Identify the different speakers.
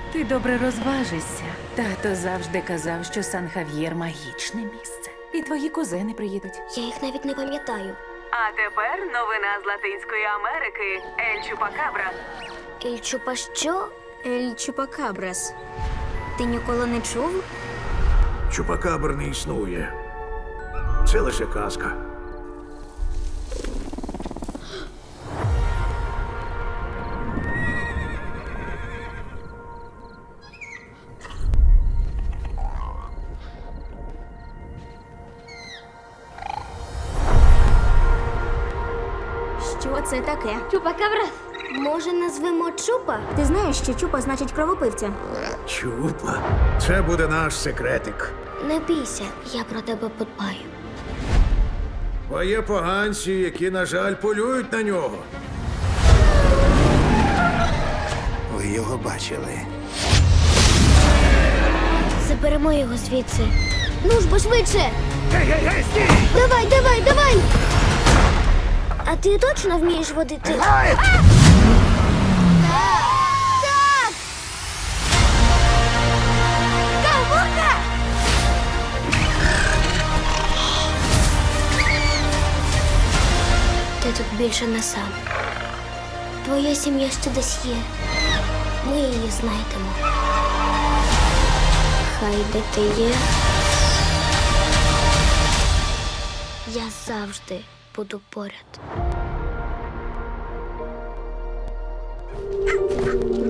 Speaker 1: Ти добре розважишся. Тато завжди казав, що Сан-Хав'єр магічне місце. І твої кузени приїдуть.
Speaker 2: Я їх навіть не пам'ятаю.
Speaker 1: А тепер новина з Латинської Америки. Ель Чупакабра.
Speaker 2: Ель Чупа що? Ель Чупакабрас. Ти ніколи не чув?
Speaker 3: Чупакабр не існує. Це лише казка.
Speaker 2: Що це таке? Чупакабра. Може, назвемо Чупа? Ти знаєш, що Чупа значить кровопивця?
Speaker 3: Чупа. Це буде наш секретик.
Speaker 2: Не бійся, я про тебе подбаю.
Speaker 3: Бо є поганці, які, на жаль, полюють на нього.
Speaker 4: Ви його бачили.
Speaker 2: Заберемо його звідси. Ну ж бо швидше!
Speaker 3: Гей, стій!
Speaker 2: Давай, давай, давай! А ти точно вмієш водити? Так! Кавука! Ти тут більше не сам. Твоя сім'я ще десь є. Ми її знайдемо. Хай де ти є. Я завжди буду поряд.